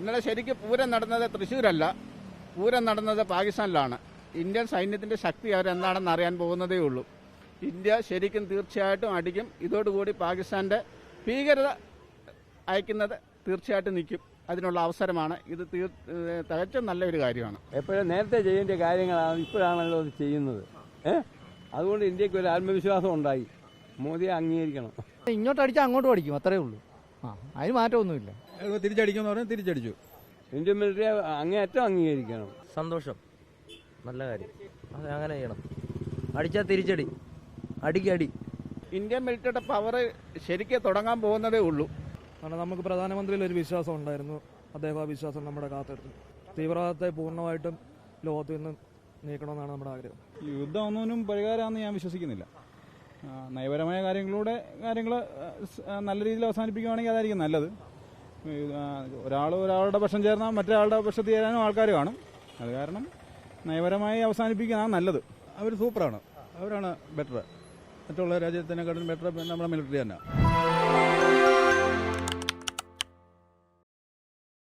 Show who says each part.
Speaker 1: ഇന്നലെ ശരിക്കും പൂരം നടന്നത് തൃശ്ശൂരല്ല, പൂരം നടന്നത് പാകിസ്ഥാനിലാണ്. ഇന്ത്യൻ സൈന്യത്തിൻ്റെ ശക്തി അവരെന്താണെന്ന് അറിയാൻ പോകുന്നതേ ഉള്ളൂ. ഇന്ത്യ ശരിക്കും തീർച്ചയായിട്ടും അടിക്കും. ഇതോടുകൂടി പാകിസ്ഥാൻ്റെ ഭീകരത അയക്കുന്നത് തീർച്ചയായിട്ടും നിൽക്കും. അതിനുള്ള അവസരമാണ് ഇത്. തികച്ചും നല്ലൊരു കാര്യമാണ്.
Speaker 2: എപ്പോഴും നേരത്തെ ചെയ്യേണ്ട കാര്യങ്ങളാണ് ഇപ്പോഴാണല്ലോ അത് ചെയ്യുന്നത്. അതുകൊണ്ട് ഇന്ത്യക്ക് ഒരു ആത്മവിശ്വാസം ഉണ്ടായി. മോദിയെ അംഗീകരിക്കണം.
Speaker 3: ഇങ്ങോട്ട് അടിച്ചാൽ അങ്ങോട്ടും അടിക്കും, അത്രേ ഉള്ളൂ. അതിന് മാറ്റമൊന്നുമില്ല.
Speaker 4: തിരിച്ചടിക്കുമെന്ന് പറഞ്ഞാൽ തിരിച്ചടിച്ചു.
Speaker 2: ഇന്ത്യൻ മിലിറ്ററി അങ്ങേയറ്റം അംഗീകരിക്കണം.
Speaker 5: സന്തോഷം, നല്ല കാര്യം. അത് അങ്ങനെ ചെയ്യണം. അടിച്ചാൽ തിരിച്ചടി, അടിക്കടി.
Speaker 1: ഇന്ത്യൻ മിലിറ്ററിയുടെ പവർ ശരിക്കും തുടങ്ങാൻ പോകുന്നതേ ഉള്ളൂ.
Speaker 6: കാരണം നമുക്ക് പ്രധാനമന്ത്രിയിൽ ഒരു വിശ്വാസം ഉണ്ടായിരുന്നു. അദ്ദേഹം ആ വിശ്വാസം നമ്മുടെ കാത്തെടുത്തു. തീവ്രവാദത്തെ പൂർണ്ണമായിട്ടും ലോകത്ത് നിന്ന് നീക്കണമെന്നാണ് നമ്മുടെ ആഗ്രഹം.
Speaker 4: യുദ്ധമൊന്നും പരിഹാരമാണെന്ന് ഞാൻ വിശ്വസിക്കുന്നില്ല. നയപരമായ കാര്യങ്ങൾ നല്ല രീതിയിൽ അവസാനിപ്പിക്കുകയാണെങ്കിൽ അതായിരിക്കും നല്ലത്. ഒരാളുടെ പക്ഷം ചേർന്നാൽ മറ്റൊരാളുടെ പക്ഷത്ത് ചേരാനും ആൾക്കാർ കാണും. അത് കാരണം നയപരമായി അവസാനിപ്പിക്കുന്നതാണ് നല്ലത്. അവർ സൂപ്പറാണ്, അവരാണ് ബെറ്റർ. മറ്റുള്ള രാജ്യത്തിനെക്കാളും ബെറ്റർ നമ്മുടെ മിലിറ്ററി തന്നെ.